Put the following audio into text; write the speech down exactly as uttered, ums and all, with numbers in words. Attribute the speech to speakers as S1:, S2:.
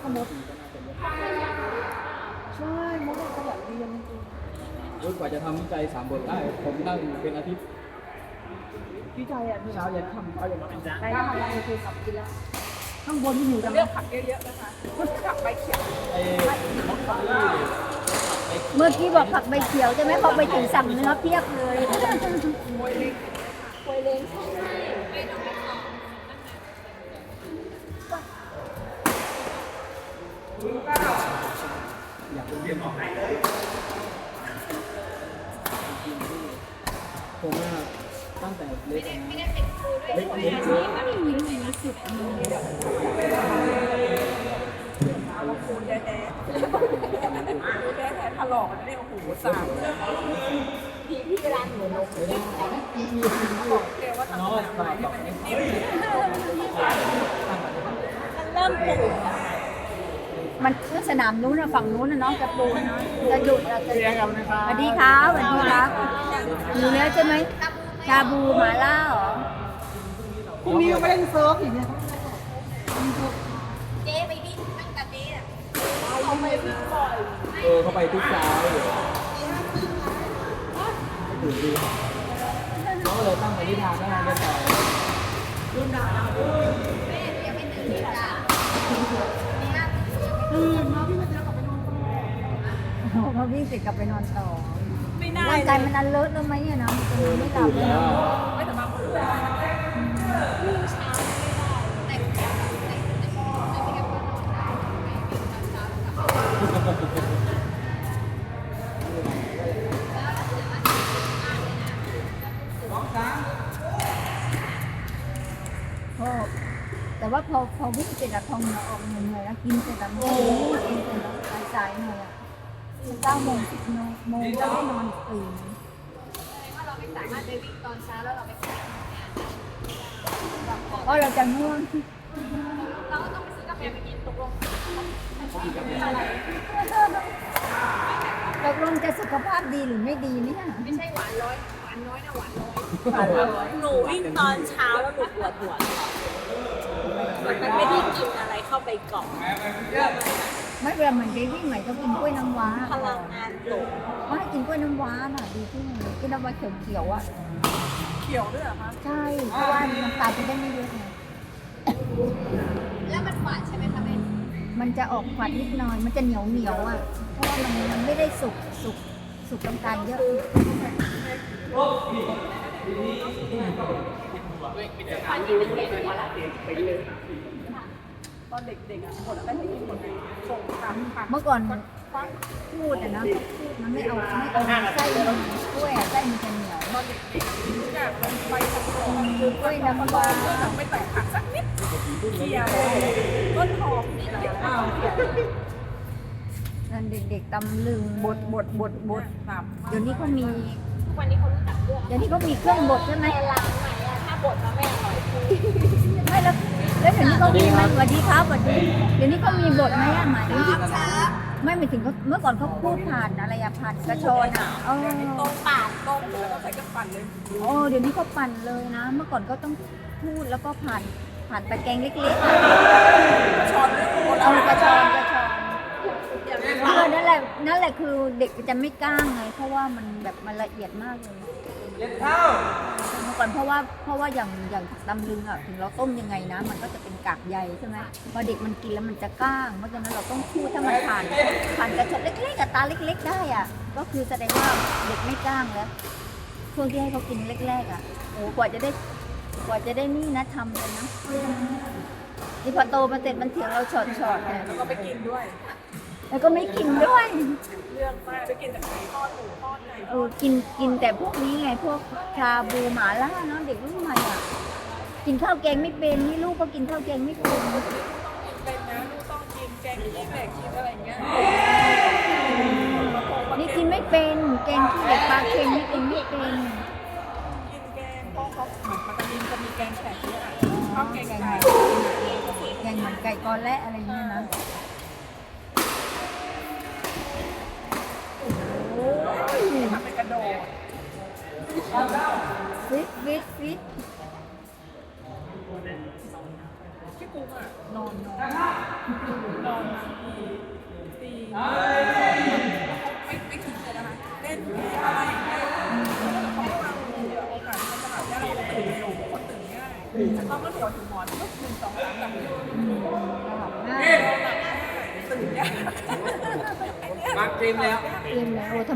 S1: ก็มดใช่มดขยันเรียนจริง
S2: จนกว่าจะทำวิจัยสามบทได้ผมนั่งเป็นอาทิตย์
S1: วิจัยอ่ะ
S2: เช้าเย็นค่ำเอาอย่างนั้น
S1: ไปทำอะไรคือกลับกินแล้วข้างบนที่อยู่จังเลือกผักเยอะๆนะคะผักใบเขียว
S2: ไอ้มดเขา
S3: เมื่อกี้บอกผักใบเขียวใช่ไหมพอไปถึงสั่งเนื้อเพียบเลย
S1: มวยเล็กมวยเล็ก
S2: อยากเรียนออกไหนผมอะตั้งแต่เล็กนะเล็กเล็กเล็ก
S1: สุดคูณแท้ๆแท้ๆถลอกนี่โอ้โหสามพี่พี่เวลาหนูลงบอกแกว่าทำอะไรให้มันนิ่มมันเริ่มปู
S3: มันเมื่อสนามนู้นนะฝั่งนู้นนะน้องจะปูนะจะหยุดจะจะ
S2: เรียนกันนะครับ
S3: สวัสดีครับสวัสดีครับอยู่แล้วใช่ไหมชาบูหมาล่าเหรอ
S1: พรุ่งนี้ก็ไม่เล่นเซิร์ฟอีกเนี่ย
S3: เจ๊ไปดิตั้งแต่เจ๊อะ
S1: เขาไม่วิ่งบ่อย
S2: เออเขาไปทุกเช้าอยู่ตื่นดีเขาก็เลยตั้งปณิธานว่าจะต่อ
S3: รุ่นดาวแม่ยังไม่ตื่นเลยจ้ะ
S1: ตื่นมาพี่มาเจอกลับไปนอนต่อ
S3: พอวิ่งเสร็จกลับไปนอนต่อ
S1: ไม่ได้
S3: ร่างกายมันอันเลิศแล้วไหมอะนะมันไม่หลับเลย
S1: ไม่สบายเลยวิ่งเช้าไม่
S3: พอแต่ว่าพอพอวิ่งเสร็จอะทองเหนือออกเหนื่อยแล้วกินเสร็จแล้วมันกินเสร็จแล้วสายๆหน่อยอะเก้าโมงสิบโมงโมงก็ได้นอนตื่นว่าเราไม่สามารถไปวิ่งตอนเช้าแล้วเราไปเพราะเราจะง่วงเราก็ต้องไปซื้อกาแฟไปกินตกลงตกลงจะสุขภาพดีหรือไม่ดีเนี่ย
S1: ไม่ใช่หวานร้อยหวานน้อยนะหวานน้อยหนูวิ่งตอนเช้าแล้วหนูปวดหัวมันไม่ได้กินอะไรเข้าไปก่อน
S3: ไม่เวลาเหมือนไปวิ่งใหม่ต้องกินกล้วยน้ำว้า
S1: พลังงานตก
S3: ว่ากินกล้วยน้ำว้าน่ะดีที่สุดกล้วยน้ำว้าเขียวๆอ่ะ
S1: เขียวด้วยเหรอคะ
S3: ใช่เพราะว่าน้ำตาลจะได้ไม่เยอะไง
S1: แล้วมันหวานใช่ไหมคะแม่
S3: มันจะออกฝาดนิดหน่อยมันจะเหนียวเหนียวอ่ะเพราะว่ามันมันไม่ได้สุกสุกสุกน้ำตาลเยอะ
S1: ตอนเด็กๆอ่ะหมดแล้วไม่กินหมดเลยส่งตามผัก
S3: เมื่อก่อนพูดอะนะมันไม่เอาไม่เอาไส้กล้วยไส้มันจะเหนียว
S1: ตอนเด็กๆทุกอย่างมันไปทั้งหมดคือกล้วยน้ำว้าไม่ใส่ผักสักนิดเคี่ยวต้นหอมนี่แหละ
S3: นั่นเด็กๆตำลึงบดบดบดบดเดี๋ยวนี้เขามี
S1: วันนี้เขารู้จักเรื่อง
S3: เดี๋ยวนี้เขามีเครื่องบดใช่ไหม
S1: ล้างไหนอะถ้าบดมาไม่อร่อย
S3: ไม่แล้วแล้วเดี๋ยวนี้เขามีไหมสวัสดีครับสวัสดีเดี๋ยวนี้เขามีบทไหมอ่ะหมายไม่หมายถึงเขาเมื่อก่อนเขาพูดผ่านอะไรอะผ่านกระชอนอ่ะเออ
S1: ต้มปาดต้มแล้วก็ใส่กระปั่นเลย
S3: โอ้เดี๋ยวนี้เขาปั่นเลยนะเมื่อก่อนก็ต้องพูดแล้วก็ผ่านผ่านตะแกรงเล็กๆ
S1: กระชอน
S3: เอากระชอนกระชอนเออนั่นแหละนั่นแหละคือเด็กจะไม่กล้าไงเพราะว่ามันแบบมันละเอียดมากเลย
S2: เล็ดเท้า
S3: เมื่อก่อนเพราะว่าเพราะว่าอย่างอย่างผักตำลึงอ่ะถึงเราต้มยังไงนะมันก็จะเป็นกากใยใช่ไหมพอเด็กมันกินแล้วมันจะก้างเพราะฉะนั้นเราต้องพูดถ้ามันผ่านผ่านกระชอนเล็กๆกับตาเล็กๆได้อ่ะก็คือแสดงว่าเด็กไม่ก้างแล้วช่วงที่ให้เขากินแรกๆอ่ะโอ้กว่าจะได้กว่าจะได้นี่นะทำเลยนะนี่พอโตมาเสร็จมันเถียงเราช็อตๆเนี่ย
S1: แล้วก็ไปกินด้วย
S3: แล้วก็ไม่กินด้วย
S1: เรื่องมากไปกินแต่ไก่ทอดหมูทอดไก่
S3: เออกินกินแต่พวกนี้ไงพวกชาบูหมาล่าเนาะเด็กรุ่นใหม่อ่ะกินข้าวแกงไม่เป็นนี่ลูกก็กินข้าวแกงไม่เป็น
S1: ต้องกินเป็นนะลูกต้องกินแกงขี้เหล็กกินอะไรเงี้ย
S3: นี่กินไม่เป็นแกงขี้เหล็กปลาเค็มนี่กินไม่เป็น
S1: กินแกงเพราะเขาเหมือนมันจะมีจะมีแกงแขกเยอะอ่ะชอบแกงไก่
S3: แกงเหมือนไก่กอและอะไรเงี้ยนะ
S1: ทำเป็นกระโดด
S3: ฟิตฟิตฟิต
S1: พี่กูมอ่ะนอนนอนนอนมาตีตีไม่ไม่คิดเลยนะคะเล่นอะไรอย่างเงี้ยเขาก็วางมือโอกาสมันจะแบบเราตื่นเร็วคนตื่นง่ายต้องก็หัวถึงหมอนก็หนึ่งสองสามแบบตื่นยาก
S2: มาเต็มแล้ว
S3: เต็มแล้ว